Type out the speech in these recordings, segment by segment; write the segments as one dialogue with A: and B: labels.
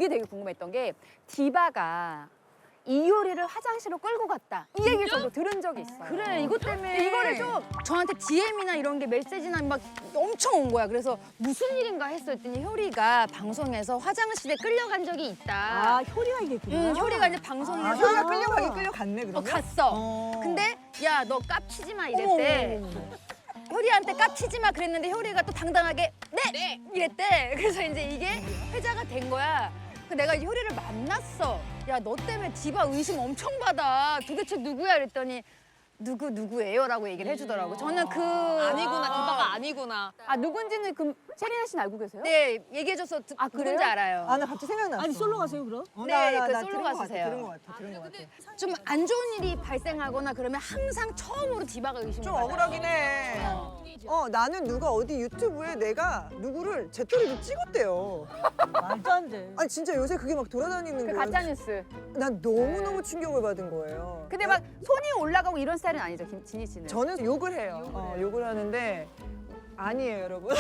A: 그게 되게 궁금했던 게 디바가 이효리를 화장실로 끌고 갔다. 이 얘기를 저도 들은 적이 있어요.
B: 그래 이것 때문에
A: 이거를 좀
B: 저한테 DM이나 이런 게 메시지나 막 엄청 온 거야. 그래서 무슨 일인가 했더니 효리가 방송에서 화장실에 끌려간 적이 있다.
C: 아, 효리가 얘기했구나.
B: 효리가 이제 방송에서
D: 효리가 끌려가긴 끌려갔네 그러면.
B: 갔어. 근데 야 너 깝치지 마 이랬대. 효리한테 깝치지 마 그랬는데 효리가 또 당당하게 네! 이랬대. 그래서 이제 이게 회자가 된 거야. 그 내가 효리를 만났어. 야 너 때문에 디바 의심 엄청 받아. 도대체 누구야 이랬더니 누구예요? 라고 얘기를 해주더라고. 저는 그
E: 아니구나, 디바가 아니구나.
A: 아 누군지는 그 체리나 씨는 알고 계세요?
B: 네 얘기해줘서
A: 아, 그래요?
B: 누군지 알아요.
D: 아 나 갑자기 생각났어.
C: 아니, 솔로 가세요, 그럼?
B: 네, 그
D: 나
B: 솔로
D: 들은 것
B: 가수세요.
D: 같아, 들은 것 같아.
B: 좀 안 좋은 일이 발생하거나 그러면 항상 처음으로 디바가 의심을
D: 좀
B: 받아요.
D: 억울하긴 해. 나는 누가 어디 유튜브에 내가 누구를 제 또래도 찍었대요.
C: 말도 안 돼.
D: 아니 진짜 요새 그게 막 돌아다니는
A: 그
D: 거야.
A: 가짜 뉴스.
D: 난 너무너무 충격을 받은 거예요.
A: 근데 막 손이 올라가고 이런 스타일은 아니죠, 진희 씨는.
D: 저는 욕을 해요. 욕을 하는데 아니에요, 여러분.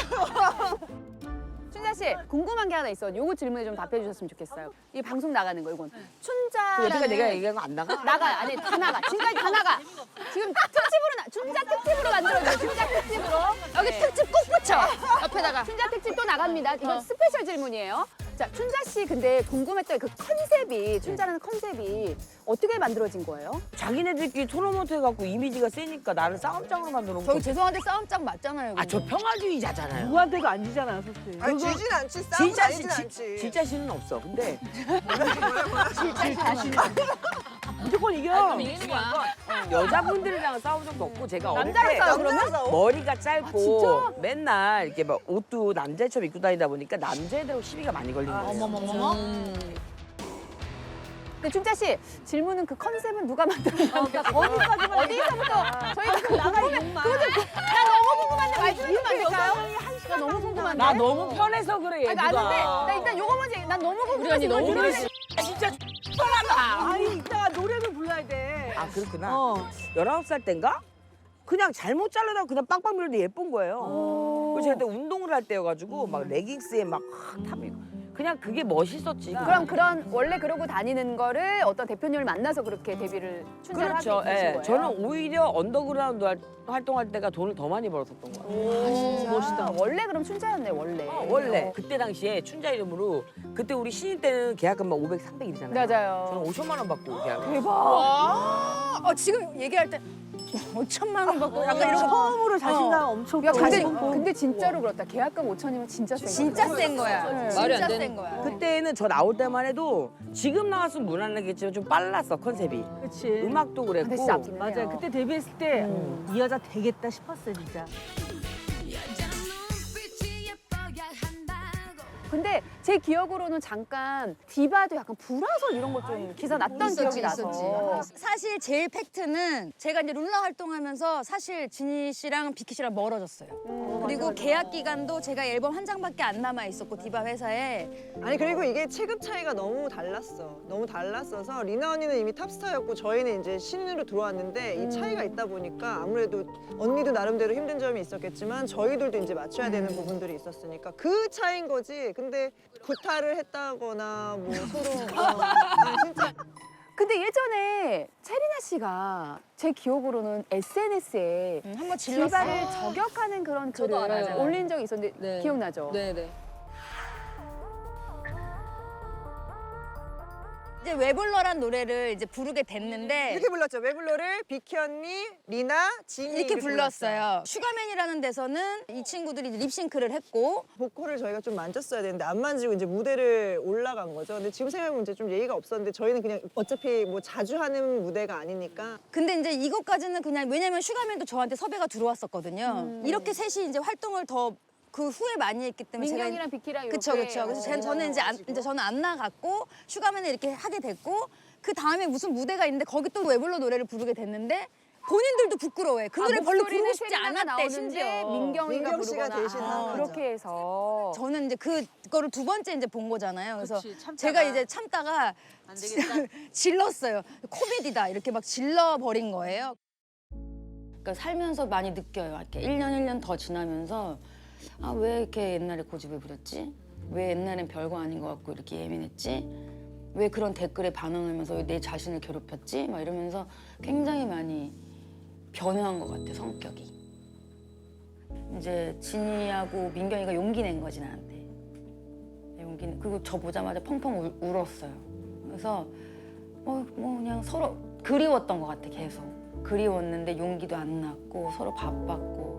A: 춘자 씨 궁금한 게 하나 있어. 요거 질문에 좀 답해 주셨으면 좋겠어요. 이 방송 나가는 거 이건. 춘자.
F: 여태까 내가 얘기한 거 안 나가?
A: 나가 아니 다 나가. 지금까지 다 나가. 지금 특집으로 춘자 특집으로 만들어줘요. 춘자 특집으로. 여기 특집 꼭 붙여. 옆에다가 춘자 특집 또 나갑니다. 이건 스페셜 질문이에요. 자 춘자 씨 근데 궁금했던 그 컨셉이 춘자라는 컨셉이 어떻게 만들어진 거예요?
F: 자기네들끼리 토너먼트 해갖고 이미지가 세니까 나를 싸움장으로 만들어.
B: 저희 죄송한데 싸움장 맞잖아요.
F: 아, 저 평화주의자잖아요.
C: 누구한테도 안 지잖아, 솔직히.
D: 아니 지진 않지, 싸움
F: 진짜
D: 다니진 않지.
F: 진짜 씨는 없어. 근데
C: 무조건 이겨.
E: 이기는 거야.
F: 여자분들이랑 싸운 적도 없고 제가 어릴
A: 남자랑
F: 때
A: 싸워 그러면?
F: 머리가 짧고 맨날 이렇게 막 옷도 남자처럼 입고 다니다 보니까 남자애들하고 시비가 많이 걸리는 거예요.
E: 어머머머머.
A: 근데 춘자 씨 질문은 그 컨셉은 누가 만들었나요?
C: 어디까지만
A: 어디서부터 저희가 그
C: 나가 이것만.
A: 나 너무 궁금한데 말씀 좀 안 될까요? 나 너무 궁금한데.
F: 나 너무 편해서 그래
A: 아니,
F: 얘가.
A: 아는데 나 일단 요거 먼저 난 너무 궁금해서
F: 언니
A: 이걸
F: 너무
A: 들어야
F: 그래.
A: 돼.
F: 진짜 편하다.
C: 아니, 이따가 노래를 불러야 돼.
F: 아 그렇구나.
C: 어.
F: 19살 땐가? 그냥 잘못 자르다가 그냥 빵빵 밀었는데 예쁜 거예요. 그래서 제가 그때 운동을 할 때여가지고 막 레깅스에 막 탑이고 그냥 그게 멋있었지.
A: 그럼 그런 원래 그러고 다니는 거를 어떤 대표님을 만나서 그렇게 데뷔를 춘자를
F: 그렇죠.
A: 하게 되신
F: 예.
A: 거예요?
F: 저는 오히려 언더그라운드 활동할 때가 돈을 더 많이 벌었었던 거예요.
A: 오, 멋있다. 원래 그럼 춘자였네 원래.
F: 원래 그때 당시에 춘자 이름으로 그때 우리 신인 때는 계약금 막 500, 300이잖아요.
A: 맞아요.
F: 저는 5천만 원 받고 계약.
A: 대박.
B: 지금 얘기할 때 5천만 원 받고 약간 이런 거
C: 처음으로 자신감 엄청
A: 야 근데
C: 가지고.
A: 근데 진짜로 그렇다. 계약금 5천이면 진짜 센
B: 진짜
A: 거야.
B: 센 거야.
A: 네.
E: 말이 안
B: 진짜
E: 되는
B: 센 거야.
F: 그때는 저 나올 때만 해도 지금 나왔으면 무난하겠지만 좀 빨랐어 컨셉이.
C: 그치.
F: 음악도
A: 근데
F: 그랬고.
A: 진짜 앞서네요.
C: 맞아요. 그때 데뷔했을 때 이 여자 되겠다 싶었어요, 진짜.
A: 근데 제 기억으로는 잠깐 디바도 약간 불화설 이런 거 좀 기사 났던 기억이 나서.
B: 사실 제일 팩트는 제가 이제 룰라 활동하면서 사실 진희 씨랑 비키 씨랑 멀어졌어요. 그리고 계약 기간도 제가 앨범 한 장밖에 안 남아 있었고 디바 회사에
D: 아니 그리고 이게 체급 차이가 너무 달랐어. 너무 달랐어서 리나 언니는 이미 탑스타였고 저희는 이제 신인으로 들어왔는데 이 차이가 있다 보니까 아무래도 언니도 나름대로 힘든 점이 있었겠지만 저희들도 이제 맞춰야 되는 부분들이 있었으니까 그 차이인 거지. 근데 구타를 했다거나 뭐 서로 아니, 진짜
A: 근데 예전에 체리나 씨가 제 기억으로는 SNS에
B: 한번 질렀어.
A: 디바를 저격하는 그런
E: 저도
A: 글을
E: 알아요.
A: 올린 적이 있었는데
E: 네.
A: 기억나죠?
E: 네네.
B: 이제 웨블러란 노래를 이제 부르게 됐는데
D: 이렇게 불렀죠. 왜 불러를 비키 언니, 리나, 진이
B: 이렇게 불렀어요. 슈가맨이라는 데서는 이 친구들이 립싱크를 했고
D: 보컬을 저희가 좀 만졌어야 되는데 안 만지고 이제 무대를 올라간 거죠. 근데 지금 생각해보면 이제 좀 예의가 없었는데 저희는 그냥 어차피 뭐 자주 하는 무대가 아니니까
B: 근데 이제 이것까지는 그냥 왜냐면 슈가맨도 저한테 섭외가 들어왔었거든요. 이렇게 셋이 이제 활동을 더 그 후에 많이 했기 때문에
A: 민경이랑 비키랑 이렇게.
B: 그쵸 그쵸. 그래서 저는 이제 저는 안 나갔고 슈가맨을 이렇게 하게 됐고 그 다음에 무슨 무대가 있는데 거기 또 웨블러 노래를 부르게 됐는데 본인들도 부끄러워해. 그 노래 별로 부르고 싶지 않았대 심지어.
A: 민경이가
D: 민경 씨가
A: 부르거나.
D: 대신 한 거죠.
A: 그렇게 해서.
B: 저는 이제 그거를 두 번째 이제 본 거잖아요. 그래서
E: 그치, 참다가.
B: 제가 이제 참다가
E: 안 되겠다.
B: 질렀어요. 코미디다 이렇게 막 질러버린 거예요. 그러니까 살면서 많이 느껴요. 이렇게 1년 1년 더 지나면서 아 왜 이렇게 옛날에 고집을 부렸지?
G: 왜 옛날엔 별거 아닌 것 같고 이렇게 예민했지? 왜 그런 댓글에 반응하면서 왜 내 자신을 괴롭혔지? 막 이러면서 굉장히 많이 변화한 것 같아, 성격이. 이제 진이하고 민경이가 용기 낸 거지, 나한테. 그리고 저 보자마자 펑펑 울었어요. 그래서 뭐 그냥 서로 그리웠던 것 같아, 계속. 그리웠는데 용기도 안 났고 서로 바빴고.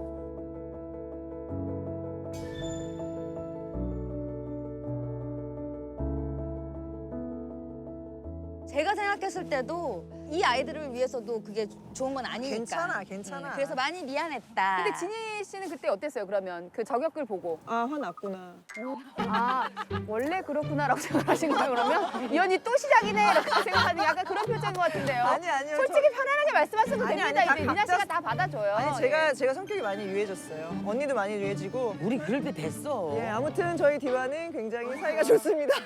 B: 제가 생각했을 때도 이 아이들을 위해서도 그게 좋은 건 아니니까.
D: 괜찮아.
B: 그래서 많이 미안했다.
A: 근데 진희 씨는 그때 어땠어요? 그러면 그 저격글 보고
D: 아 화났구나.
A: 아 원래 그렇구나라고 생각하신 거예요? 그러면 이 언니 또 시작이네 이렇게 생각하는 약간 그런 표정인 것 같은데요.
D: 아니요.
A: 솔직히 편안하게 말씀하셔도
D: 아니,
A: 됩니다.
D: 아니,
A: 이제 미나 씨가
D: 각자-
A: 다 받아줘요.
D: 아니 제가 성격이 많이 유해졌어요. 언니도 많이 유해지고.
F: 우리 그럴 때 됐어.
D: 예 아무튼 저희 디바는 굉장히 사이가 좋습니다.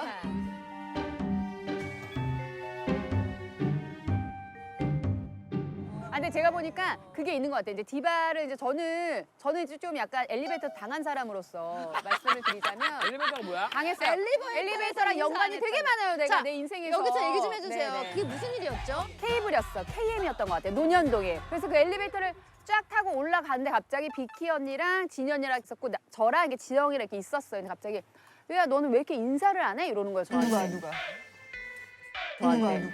A: 아, 근데 제가 보니까 그게 있는 것 같아요. 이제 디바를 이제 저는 이제 좀 약간 엘리베이터 당한 사람으로서 말씀을 드리자면
H: 엘리베이터가 뭐야?
A: 당했어요. 엘리베이터랑 연관이 되게 많아요. 내가
B: 자,
A: 내 인생에서.
B: 여기서 얘기 좀 해주세요.
A: 네네.
B: 그게 무슨 일이었죠?
A: 케이블이었어. KM이었던 것 같아요. 논현동에. 그래서 그 엘리베이터를 쫙 타고 올라가는데 갑자기 비키 언니랑 진이 언니랑 있었고 저랑 이렇게 지영이랑 이렇게 있었어요. 근데 갑자기 야 너는 왜 이렇게 인사를 안 해? 이러는 거예요. 저한테. 저한테.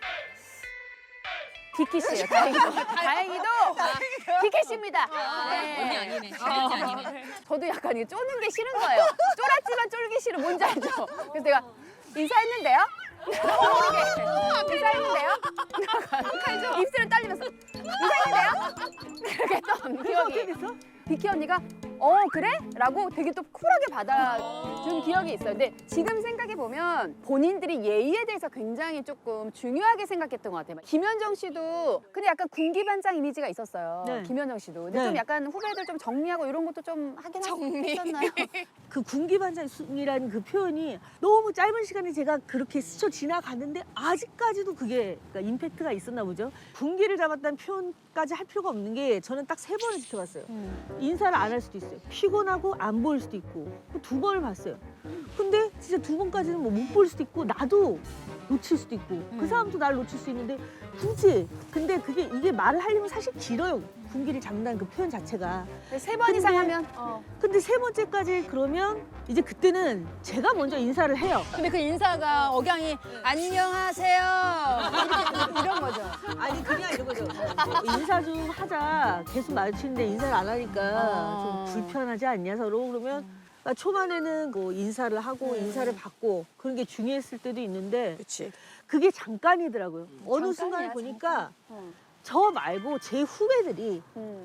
A: 비키 씨예요. 다행히도 비키 씨입니다. 네.
E: 언니 아니네. 언니 아니네.
A: 저도 약간 이게 쪼는 게 싫은 거예요. 쫄았지만 쫄기 싫은 뭔지 알죠? 그래서 내가 인사했는데요? 모르게 인사했는데요? 입술을 떨리면서 인사했는데요? 이렇게 했던 기억이. 비키 언니가 그래? 라고 되게 또 쿨하게 받아준 기억이 있어요. 근데 지금 생각해보면 본인들이 예의에 대해서 굉장히 조금 중요하게 생각했던 것 같아요. 김현정 씨도 근데 약간 군기반장 이미지가 있었어요.
C: 네.
A: 김현정 씨도. 근데
C: 네.
A: 좀 약간 후배들 좀 정리하고 이런 것도 좀 하긴 했었나요?
C: 그 군기반장이라는 그 표현이 너무 짧은 시간에 제가 그렇게 스쳐 지나갔는데 아직까지도 그게 그러니까 임팩트가 있었나 보죠. 군기를 잡았다는 표현까지 할 필요가 없는 게 저는 딱 3번을 지켜봤어요. 인사를 안 할 수도 있어요. 피곤하고 안 보일 수도 있고 2번을 봤어요. 근데 진짜 2번까지는 뭐 못 볼 수도 있고 나도 놓칠 수도 있고 그 사람도 날 놓칠 수 있는데 굳이 근데 이게 말을 하려면 사실 길어요. 군기를 잡는다는 그 표현 자체가.
A: 3번 이상
C: 근데-
A: 하면
C: 근데 3번째까지 그러면 이제 그때는 제가 먼저 인사를 해요.
B: 근데 그 인사가 억양이 안녕하세요. 이런 거죠.
C: 아니 그냥 이런 거죠. 인사 좀 하자. 계속 마주치는데 인사를 안 하니까 좀 불편하지 않냐 서로. 그러면 초반에는 뭐 인사를 하고 인사를 받고 그런 게 중요했을 때도 있는데
F: 그렇지.
C: 그게 잠깐이더라고요. 어느
A: 잠깐이야,
C: 순간에 보니까
A: 잠깐.
C: 저 말고 제 후배들이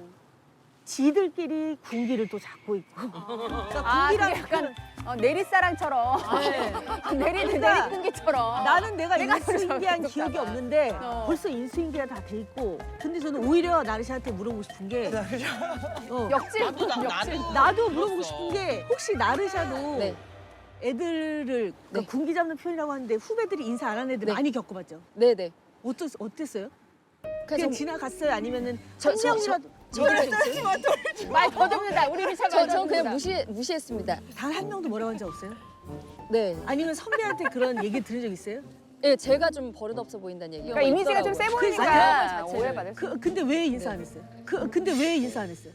C: 지들끼리 군기를 또 잡고 있고. 그러니까
A: 아, 그게
C: 군기라는
A: 약간 내리사랑처럼
C: 그러니까
A: 내리kun기처럼
C: 나는 내가
A: 내가
C: 인수인계한
A: 그래서
C: 기억이
A: 그럴까 봐.
C: 없는데
A: 어.
C: 벌써 인수인계가 다 돼 있고 근데 저는 오히려 나르샤한테 물어보고 싶은 게
A: 역질
C: 나도 물어보고 싶은 게 혹시 나르샤도
B: 네.
C: 애들을 그러니까 군기 잡는 표현이라고 하는데 후배들이 인사 안 하는 애들
B: 네.
C: 많이 겪어봤죠?
B: 네네.
C: 어땠어요? 그냥
B: 그래서
C: 지나갔어요? 아니면은
B: 저-
C: 한
B: 저-
C: 명이라도
A: 말 더듬는다. 우리 미ša
B: 전 그냥 무시했습니다.
C: 단 한 명도 뭐라고 한 적 없어요?
B: 네.
C: 아니면 선배한테 그런 얘기 들은 적 있어요?
B: 네, 제가 좀 버릇없어 보인다는 얘기가
A: 그러니까 이미지가 좀 세 보이니까
C: 그래서-
A: 오해받을 수
C: 근데 왜 인사 안 했어요? 근데 왜 인사 안 했어요?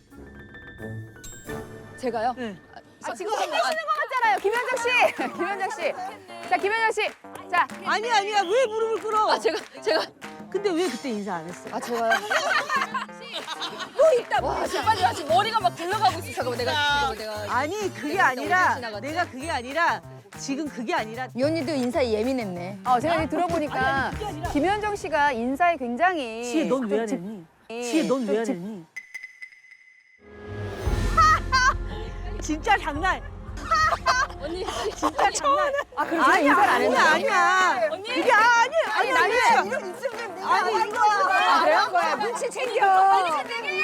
B: 제가요?
C: 네.
A: 지금 혼내시는 것 같잖아요. 김현정 씨. 김현정 씨. 자, 김현정 씨. 자,
C: 아니야 왜 무릎을 꿇어?
B: 아 제가
C: 근데 왜 그때 인사 안 했어요?
B: 아 제가요? 뭐 있다 뭐 있다. 빨리 지금 머리가 막 굴러가고 있어. 잠깐만 내가
C: 아니 그게
B: 내가
C: 아니라
B: 오늘 지나갔지?
C: 내가 그게 아니라 지금 그게 아니라
B: 이 언니도 인사에 예민했네.
A: 제가 이제 들어보니까 김현정 씨가 인사에 굉장히
C: 지혜 넌 왜 안 했니? 지혜 넌 왜 안 했니? 진짜 장난.
B: 언니
C: 진짜 장난.
A: 그럼 제가 인사를 안 했나요?
C: 아니야. 그게 아니 나는 아니 이거
A: 그래요? 거야.
C: 눈치 챙겨.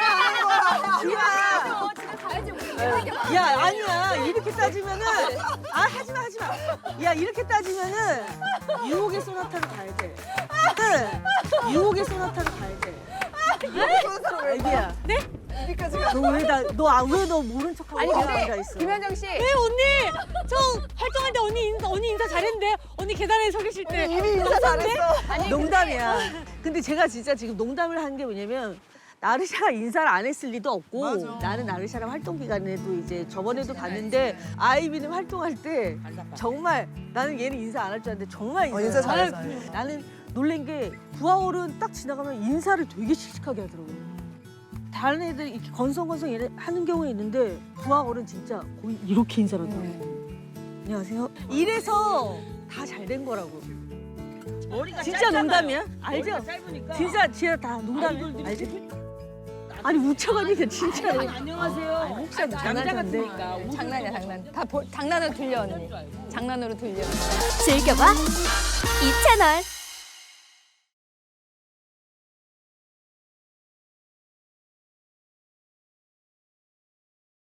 C: 지혜야. 야 아니야 이렇게 따지면은 하지마. 야 이렇게 따지면은 유혹의 소나타로 가야 돼. 유혹의 소나타로 가야 돼. 애기야. 네? 너왜너 모른 척하고
A: 아니
C: 앉아
A: 근데
C: 있어?
A: 김현정 씨
H: 네 언니 저 활동할 때 언니 인사 잘했는데 언니 계단에 서 계실 때
D: 이미 인사 잘했어.
C: 농담이야. 근데 제가 진짜 지금 농담을 한 게 뭐냐면 나르샤가 인사를 안 했을 리도 없고
D: 맞아.
C: 나는 나르샤랑 활동 기간에도 이제 저번에도 봤는데 아이비는 활동할 때 정말 나는 얘는 인사 안 할 줄 알았는데 정말
D: 인사 잘했어.
C: 나는 놀란 게 부하월은 딱 지나가면 인사를 되게 씩씩하게 하더라고요. 다른 애들 이렇게 건성건성 하는 경우에 있는데 부하월은 진짜 거의 이렇게 인사를 하더라고요. 안녕하세요. 이래서 다 잘 된 거라고. 진짜 농담이야? 알죠? 진짜 다 농담이야. 알지? 아니 우쳐가니까 진짜로.
F: 안녕하세요.
C: 혹시
F: 남자
C: 장난쳤는데.
F: 같으니까.
B: 장난이야 장난. 다 장난으로 들려 언니. 장난으로 들려.
I: 즐겨봐 이 채널.